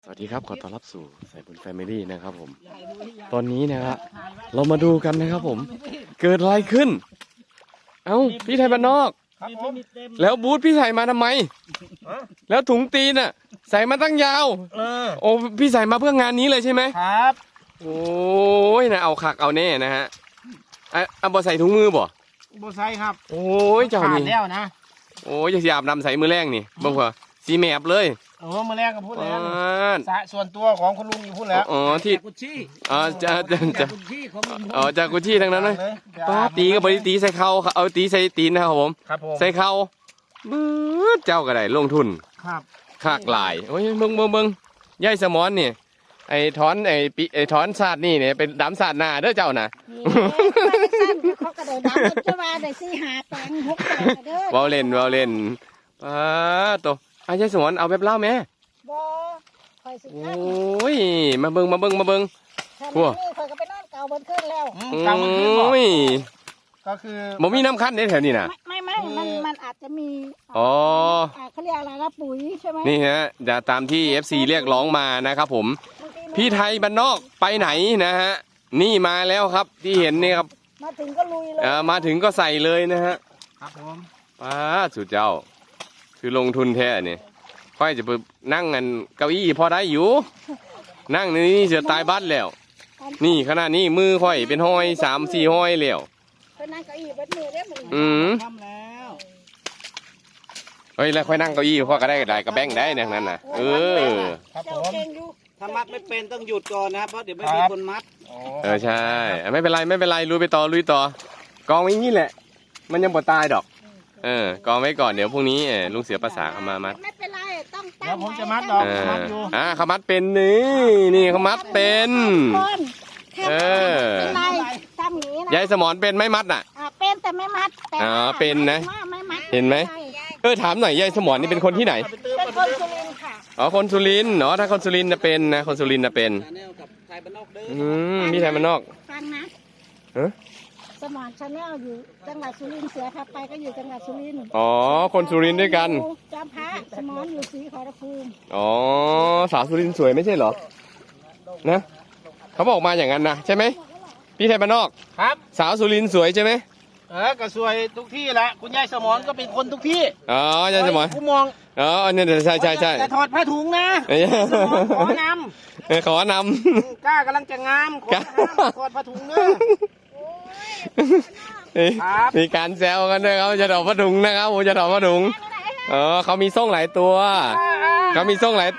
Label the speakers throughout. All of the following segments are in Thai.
Speaker 1: สวัสดีครับขอต้อนรับสู่สายบุญแฟมิลี่นะครับผมตอนนี้นะครับเรามาดูกันนะครับผมเกิดอะไรขึ้นเอ้าพี่ไทยบ้านนอกแล้วบูธพี่ใส่มาทำไมแล้วถุงตีนอ่ะใส่มาตั้งยาวโอ้พี่ใส่มาเพื่องานนี้เลยใช่ไหม
Speaker 2: ครับ
Speaker 1: โอ้ยนะเอาคักเอาแน่นะฮะเอาบ่ใส่ถุงมือบ่
Speaker 2: ใส่ครับ
Speaker 1: โอ้ยเจ้านี่
Speaker 2: แล้วนะ
Speaker 1: โอ้ยจะอาบน้ำใส่มือแรงนี่บ้างเหรอสีแมบเลย
Speaker 2: มือแรกก็พูดแล้วสระส่วนตัวของคุณลุงอยู่พูดแล้ว
Speaker 1: อ๋อที่จากกุชชี่ทั้งนั้นเลยป้าตีกับบริตีใส่เข่าเอาตีใส่ตีนนะครับผมใส่เข่าเจ้าก็ได้ลงทุน
Speaker 2: ครับ
Speaker 1: คากลายโอ้ยเบิ่งย่ายสมอนนี่ไอ้ถอนศาสตร์นี่เนี่ยเป็นดำศาสตร์หน้าเด้อเจ้าน่ะ
Speaker 3: เขากระโดดน้ำจะมาได้4-5แปลง6แปลงเด้อ
Speaker 1: เว้าเล่นโตย่ายสมอนเอาแบบเล่าแม่
Speaker 3: บ่คอยสิ
Speaker 1: โอ้ยมาเบิ่งพวก
Speaker 3: นี่คอยก็ไปนอนเก่าบนขึ้นแล้ว
Speaker 1: เก่าบนขึ้นบ่
Speaker 2: ก็คือ
Speaker 1: บ่มีน้ำคั้นในแถวนี้น่ะ
Speaker 3: ไม่มันอาจจะมี
Speaker 1: อ๋อ
Speaker 3: เขาเรียกอะไรนะปุ๋ยใช่ไหม
Speaker 1: นี่ฮะจะตามที่ FC เรียกร้องมานะครับผมพี่ไทยบ้านนอกไปไหนนะฮะนี่มาแล้วครับที่เห็นนี่ครับ
Speaker 3: มาถึงก็ลุยเลย
Speaker 1: มาถึงก็ใส่เลยนะฮะ
Speaker 2: ครับผม
Speaker 1: ป้าสุดเจ้าคือลงทุนแท้เนี่ยค่อยจะไปนั่งกันเก้าอี้พอได้อยู่นั่งนี่เสียตายบัดแล้วนี่ขนาดนี้มือค่อยเป็นห้อย3-4ห้อยแล้ว
Speaker 3: ไปนั่งเก้าอี้บัดมือได้หมด
Speaker 2: ทำแล้ว
Speaker 1: เฮ้ยแล้วค่อยนั่งเก้าอี้พ่อก็ได้กระแบงได้เนี่ยนั้นน่ะ
Speaker 2: ครับผมถ้ามัดไม่เป็นต้องหยุดก่อนนะครับเพราะเดี๋ยวไม่มีคนมัด
Speaker 1: ใช่ไม่เป็นไรลุยไปต่อกองไว้นี่แหละมันยังบ่ตายดอกกองไว้ก่อนเดี๋ยวพรุ่งนี้ลุงเสือภาษาเขามามัด
Speaker 3: ไม่เป็นไรต้องตั้ง
Speaker 2: เดี๋ยวผมจะมัดดอกมัดอยู่
Speaker 1: เขามัดเป็นนี่เขามัดเป็น
Speaker 3: เป็นไรทำอย่างนี้นะ
Speaker 1: ยายสมอนเป็นไม่มัดน่ะ
Speaker 3: เป็นแต่ไม่มัด
Speaker 1: เป็นนะเห็นไหมถามหน่อยยายสมอนนี่เป็นคนที่ไหน
Speaker 3: เป็นคนสุรินทร์ค่ะ
Speaker 1: คนสุรินทร์ถ้าคนสุรินทร์เป็นนะคนสุรินทร์เป็นพี่ไทยบ้านนอก
Speaker 3: ฟังนะสมอนชาแนลอยู่จังหวัดสุรินทร์เสือพาไปก็อยู่จังหวัดสุรินทร์
Speaker 1: คนสุรินทร์ด้วยกัน
Speaker 3: จอมพระสมอนอยู่ศรีขอรภูมิ
Speaker 1: สาวสุรินทร์สวยไม่ใช่เหรอนะเขาบอกมาอย่างนั้นนะใช่ไหมพี่ไทยบ้านนอก
Speaker 2: ครับ
Speaker 1: สาวสุรินทร์สวยใช่ไหม
Speaker 2: ก็สวยทุกที่แหละคุณยายสมอนก็เป็นคนทุกที่
Speaker 1: ยายสมอน
Speaker 2: ผู้มอง
Speaker 1: เนี่ยใช่
Speaker 2: แต่ถอดผ้าถุงนะขอนำกล้ากำลังจะงามขอถอดผ้าถุงเนอะ
Speaker 1: มีการแซวกันด้วยเขาจะถอดผ้าถุงนะครับผมจะถอดผ้าถุงเขามีส่งหลายตัวไม่ติดเหลื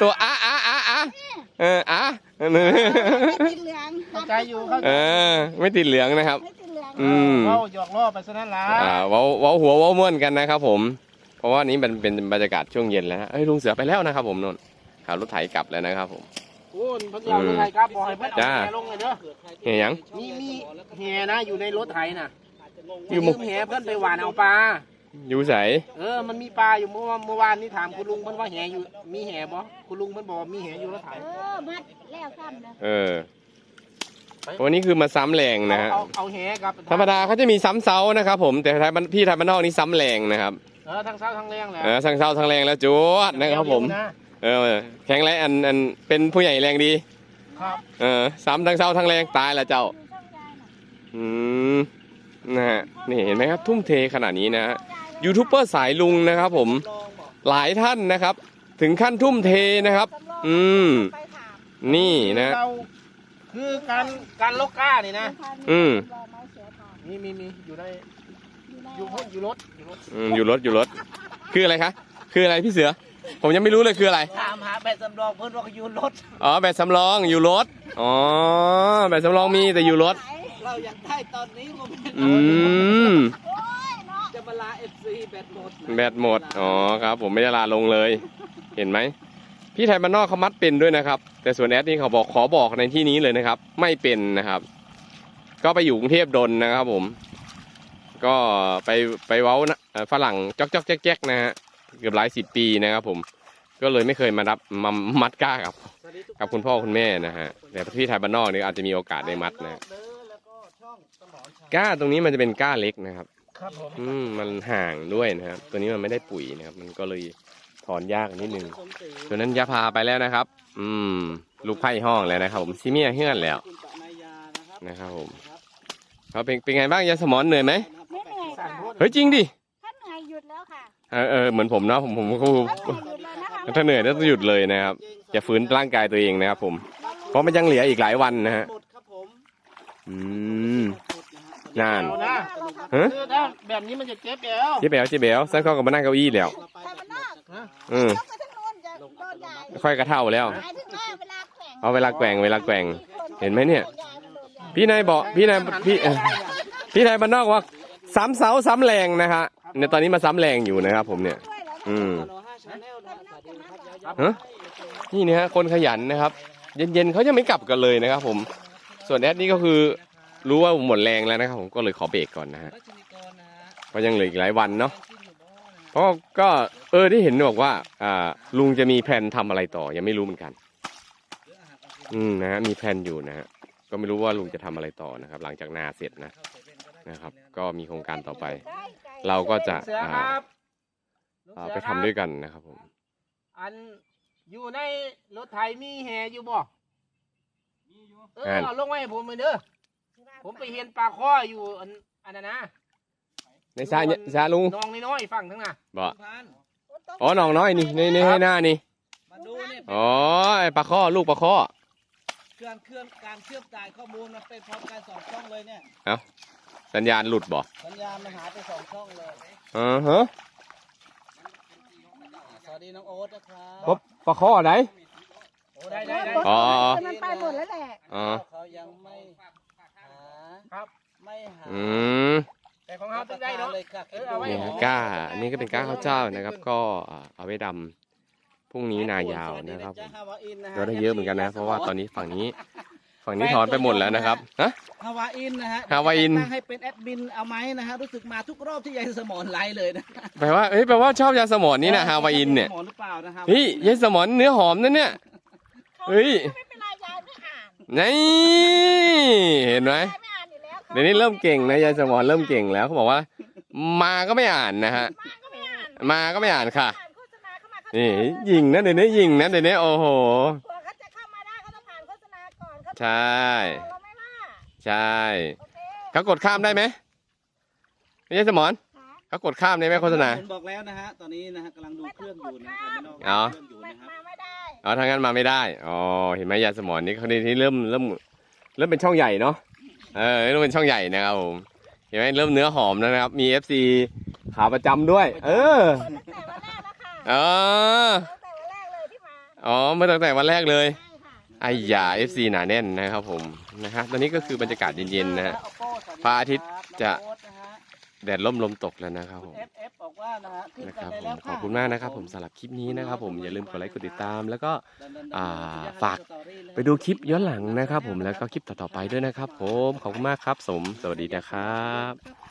Speaker 3: อง
Speaker 2: เข้าใจอยู่
Speaker 1: ไม่ติดเหลืองนะครับ
Speaker 2: เราหยอกล้อไปซะนั่นละ
Speaker 1: เว้าหัวเว้าม่วนกันนะครับผมเพราะว่านี้มันเป็นบรรยากาศช่วงเย็นแล้วลุงเสือไปแล้วนะครับผมนนขับรถไถกลับแล้วนะครับผม
Speaker 2: เพิ่งเอารถไถกลับบอกให้เพิ่งเอาแหลงเลยเด้อ
Speaker 1: แห่ยัง
Speaker 2: มีแห่นะอยู่ในรถไถน่ะอยู่มุมแห่เพิ่นไปหวานเอาปลา
Speaker 1: อยู่ใส
Speaker 2: มันมีปลาอยู่เมื่อวานนี้ถามคุณลุงเพิ่นว่าแห่อยู่มีแห่บ่คุณลุงเพิ่นบอกมีแห่อยู่รถไถ
Speaker 3: มัดแล้วซ้ำ
Speaker 1: นะวันนี้คือมาซ้ำแรงนะฮะ
Speaker 2: เอาแห่กับ
Speaker 1: ธรรมดาเขาจะมีซ้ำเสานะครับผมแต่พี่ไทยบ้านนอกนี่ซ้ำแรงนะครับ
Speaker 2: ทั้งเสาทั้งแรงแล้ว
Speaker 1: ทั้งเสาทั้งแรงแล้วจวดนะครับผมแข็งแรงอันเป็นผู้ใหญ่แรงดี
Speaker 2: ครับ
Speaker 1: ซ้ำทั้งเสาทั้งแรงตายละเจ้านะฮะนี่เห็นไหมครับทุ่มเทขนาดนี้นะยูทูบเบอร์สายลุงนะครับผมหลายท่านนะครับถึงขั้นทุ่มเทนะครับนี่นะ
Speaker 2: คือการลกก้านี่นะมีอยู่ในอยู่รถ
Speaker 1: คืออะไรคะคืออะไรพี่เสือผมยังไม่รู้เลยคืออะไร
Speaker 2: ถามหาแบตสำรองเพื่อนว่าอยู่รถ
Speaker 1: แบตสำรองอยู่รถแบตสำรองมีแต่อยู่รถ
Speaker 2: เราอยากได้ตอนนี้จะมาลา FC แบ
Speaker 1: ตหมดครับผมไม่ได้ลาลงเลยเห็นไหมพี่ไทยบ้านนอกเขามัดเป็นด้วยนะครับแต่ส่วนแอดนี่เขาขอบอกในที่นี้เลยนะครับไม่เป็นนะครับก็ไปอยู่กรุงเทพดนนะครับผมก็ไปเว้าฝรั่งจ๊อกแจ๊กนะฮะเกือบหลาย10 ปีนะครับผมก็เลยไม่เคยมามัดก้ากับคุณพ่อคุณแม่นะฮะแต่พี่ไทยบ้านนอกนี่อาจจะมีโอกาสได้มัดนะก้าตรงนี้มันจะเป็นก้าเล็กนะครับมันห่างด้วยนะครับตัวนี้มันไม่ได้ปุ๋ยนะครับมันก็เลยถอนยากนิดนึงส่วนนั้นยาพาไปแล้วนะครับ ลูกไผ่ห้องแล้วนะครับผมซิเมียเฮือนแล้วนะครับผมเขาเป็นไงบ้างยาสมอนเหนื่อยไหม
Speaker 3: ไม่เหนื่อยค่ะ
Speaker 1: เฮ้ยจริงดิ
Speaker 3: ถ้าเหนื่อยหยุดแล้วค่ะ
Speaker 1: เหมือนผมเนาะผมก็
Speaker 3: ถ้าเหนื่อยหยุดเลยนะคะ
Speaker 1: ถ้าเหนื่อยต้องหยุดเลยนะครับอย่าฝืนร่างกายตัวเองนะครับผมเพราะมันยังเหลืออีกหลายวันนะฮะนาน
Speaker 2: เอานะ
Speaker 1: ฮะ
Speaker 2: คือถ้าแบบนี้มันจะเจ็บแล้ว
Speaker 1: เจ๊แบ๋วเจ๊แบ๋วซักเข้ากับมานั่งเก้าอี้แล้ว
Speaker 3: แต่มันนอก
Speaker 1: อืม
Speaker 3: ยกไปทั้งโน้นจะโดนใหญ่
Speaker 1: ค่อยกระเท่าแล้ว
Speaker 3: หมายถึงว่าเวลาแข่ง
Speaker 1: เอาเวลาแกว่งเห็นไหมเนี่ย พี่นายบอกพี่นายพี่นายบ้านนอกว่าซ้ำเสาซ้ำแรงนะฮะในตอนนี้มาซ้ำแรงอยู่นะครับผมเนี่ย ฮะนี่นะฮะคนขยันนะครับ เย็นๆเขาจะไม่กลับกันเลยนะครับผมส่วนแอดนี่ก็คือรู้ว่าหมดแรงแล้วนะครับผมก็เลยขอเบรกก่อนนะฮะเพราะยังเหลืออีกหลายวันเนาะเพราะก็ได้เห็นบอกว่าลุงจะมีแผนทำอะไรต่อยังไม่รู้เหมือนกันนะฮะมีแผนอยู่นะฮะก็ไม่รู้ว่าลุงจะทำอะไรต่อนะครับ หลังจากนาเสร็จนะครับ ก็มีโครงการต่อไป เราก็จะ
Speaker 2: เสือครับ
Speaker 1: ไปทำด้วยกันนะครับผม
Speaker 2: อันอยู่ในรถไถมีแห่อยู่บ่เอาลงไว้ให้ผมมือเด้อผมไปเห็นปลาข้ออยู่อันนั้นนะ
Speaker 1: ในซาลุง
Speaker 2: น้องน้อยๆฟังทั้งน่ะ
Speaker 1: บอกอ๋อน้องน้อยนี่ในให้หน้านี่
Speaker 4: มาดูเนี่ย
Speaker 1: อ๋อไอปลาข้อลูกปลาข้อ
Speaker 4: การเชื่อมจ่ายข้อมูลมันเป็นพร้อมกัน2 ช่องเลยเนี่ย
Speaker 1: สัญญาณหลุดบ่
Speaker 4: สัญญาณมันหายไป2 ช่องเลย
Speaker 1: ฮะ
Speaker 4: สวัสดีน้องโอ๊ตนะครับ
Speaker 1: ปลาข้อไหน
Speaker 2: โอ้ได้
Speaker 1: อ๋อ
Speaker 3: มันไปหมดแล้วแหละ
Speaker 1: อ๋อ
Speaker 4: เขายังไม่หา
Speaker 2: ครับ
Speaker 4: ไม่หา
Speaker 2: แต่ของเขาต้องได้เนาะ
Speaker 4: เลยค่ะ
Speaker 2: เอาไว้
Speaker 1: นี่ฮะก้าอันนี้ก็เป็นก้าข้าวเจ้านะครับ ก็เอาไว้ดำพรุ่งนี้นายาวนะครับเราได้เยอะเหมือนกันนะ เพราะว่าตอนนี้ฝั่งนี้ถอนไปหมดแล้วนะครับฮะ
Speaker 4: ฮาวาอินนะฮะ
Speaker 1: ฮาวาอิน
Speaker 4: ตั้งให้เป็นแอดมินเอาไหมนะฮะรู้สึกมาทุกรอบที่ยายสมอนไลฟ์เลยนะ
Speaker 1: แปลว่าชอบยาสมอนนี่นะฮาวาอินเนี่ย
Speaker 4: สมอนหรือเปล่านะครับ
Speaker 1: เฮ้ยยาสมอนเนื้อหอมนั่นเนี่ยเฮ้ย
Speaker 3: ไม่เป็นไรยายไม่อ่าน
Speaker 1: นี่เห็นไหม
Speaker 3: ยายไม่อ่านอยู่แล้ว
Speaker 1: เดี๋ยวนี้เริ่มเก่งนะยายสมอนเริ่มเก่งแล้วเขาบอกว่า มาก็ไม่อ่านนะฮะ
Speaker 3: มาก็ไม่อ่าน
Speaker 1: มาก็ไม่อ่านค่ะ
Speaker 3: อ่านโฆษณาเข้ามาเขา
Speaker 1: นี่ยิงนะเดี๋ยวนี้ยิงนะเดี๋ยวนี้โอ้โห
Speaker 3: กว่าเขาจะเข้ามาได้เขาต้องผ่านโฆษณาก่อนเขา
Speaker 1: ใช่
Speaker 3: เราไม่ว่า
Speaker 1: ใช่
Speaker 3: โอเค
Speaker 1: เขากดข้ามได้ไหมยายสมอน
Speaker 3: ค่ะ
Speaker 1: เขากดข้ามได้ไหมโฆษณา
Speaker 4: ผมบอกแล้วนะฮะตอนนี้นะฮะกำลังดูเครื่องอยู่นะครับ
Speaker 1: อ๋อ
Speaker 4: เครื่องอยู่
Speaker 3: ไม่
Speaker 4: นะครับ
Speaker 3: มาไม่ได้
Speaker 1: อ๋อทางนั้นมาไม่ได้อ๋อเห็นไหมยายสมอนนี่เขาที่เริ่มเป็นช่องใหญ่เนาะเริ่มเป็นช่องใหญ่นะครับผมเห็นไหมเริ่มเนื้อหอมแล้วนะครับ มี FC ขาประจำด้วย
Speaker 3: เปิดตั้งแต่วันแรกแล้วค่ะ
Speaker 1: อ๋อ
Speaker 3: ตั้งแต่วันแรกเลยที่มา
Speaker 1: อ๋อมาตั้งแต่วันแรกเลย
Speaker 3: ใช่ค่ะ
Speaker 1: ไอ้ยา FC หนาแน่นนะครับผมนะฮะตอนนี้ก็คือบรรยากาศเย็นๆนะฮะ พระอาทิตย์จะ แดดล่มลมตกแล้วนะครับผม
Speaker 4: FF บอกว่านะฮะขึ้น
Speaker 1: นะค
Speaker 4: กัน
Speaker 1: รับ
Speaker 4: ได้
Speaker 1: ผ
Speaker 4: แล้
Speaker 1: ม
Speaker 4: ว
Speaker 1: ขอบคุณมากนะครับผมสำหรับคลิปนี้นะครับผมอย่าลืมกดไลค์กดติดตาม แล้วก็ฝากไปดูคลิปย้อนหลังนะครับผมแล้วก็คลิปต่อๆไปด้วยนะครับผมขอบคุณมากครับสวัสดีนะครับ